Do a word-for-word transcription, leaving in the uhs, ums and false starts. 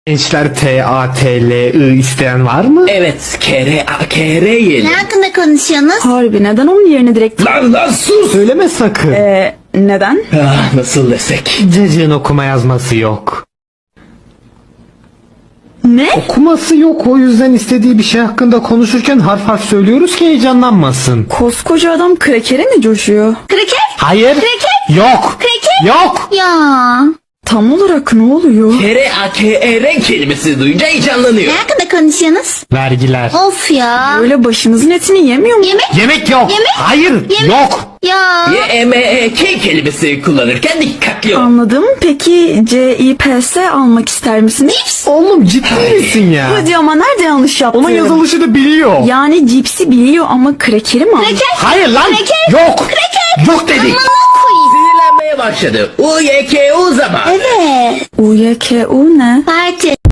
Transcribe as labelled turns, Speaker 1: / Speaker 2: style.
Speaker 1: Gençler T A T L I isteyen var mı?
Speaker 2: Evet, kere a kere yiyelim.
Speaker 3: Ne hakkında konuşuyorsunuz?
Speaker 4: Harbi neden onun yerine direkt...
Speaker 2: Lan lan sus!
Speaker 1: Söyleme sakın.
Speaker 4: Ee, neden?
Speaker 2: Ah, nasıl desek?
Speaker 1: Cacığın okuma yazması yok.
Speaker 4: Ne?
Speaker 1: Okuması yok, o yüzden istediği bir şey hakkında konuşurken harf harf söylüyoruz ki heyecanlanmasın.
Speaker 4: Koskoca adam krekere mi coşuyor?
Speaker 3: Kraker?
Speaker 1: Hayır.
Speaker 3: Kreket?
Speaker 1: Yok.
Speaker 3: Kreket?
Speaker 1: Yok.
Speaker 3: Ya.
Speaker 4: Tam olarak ne oluyor?
Speaker 2: Kere a kere kelimesi duyunca heyecanlanıyor.
Speaker 3: Ne hakkında konuşuyorsunuz?
Speaker 1: Vergiler.
Speaker 3: Of ya.
Speaker 4: Öyle başımızın etini yemiyor mu?
Speaker 3: Yemek?
Speaker 1: Yemek yok.
Speaker 3: Yemek?
Speaker 1: Hayır.
Speaker 3: Yemek?
Speaker 1: Yok.
Speaker 3: Ya.
Speaker 2: Y e m e k kelimesi kullanırken dikkatli ol.
Speaker 4: Anladım. Peki C I P S almak ister misiniz?
Speaker 3: Cips?
Speaker 1: Oğlum ciddi misin ya?
Speaker 4: Hadi ama nerede yanlış yaptım?
Speaker 1: Onun yazılışını biliyor.
Speaker 4: Yani cipsi biliyor ama krekeri mi almış?
Speaker 3: Kraker?
Speaker 1: Hayır lan.
Speaker 3: Kreket?
Speaker 1: Yok.
Speaker 3: Kreket?
Speaker 1: Yok dedik.
Speaker 3: Amına koyayım.
Speaker 2: Sinirlenmeye başladı. U y k u zaman.
Speaker 3: Evet.
Speaker 4: U Y K U ne?
Speaker 3: Parti.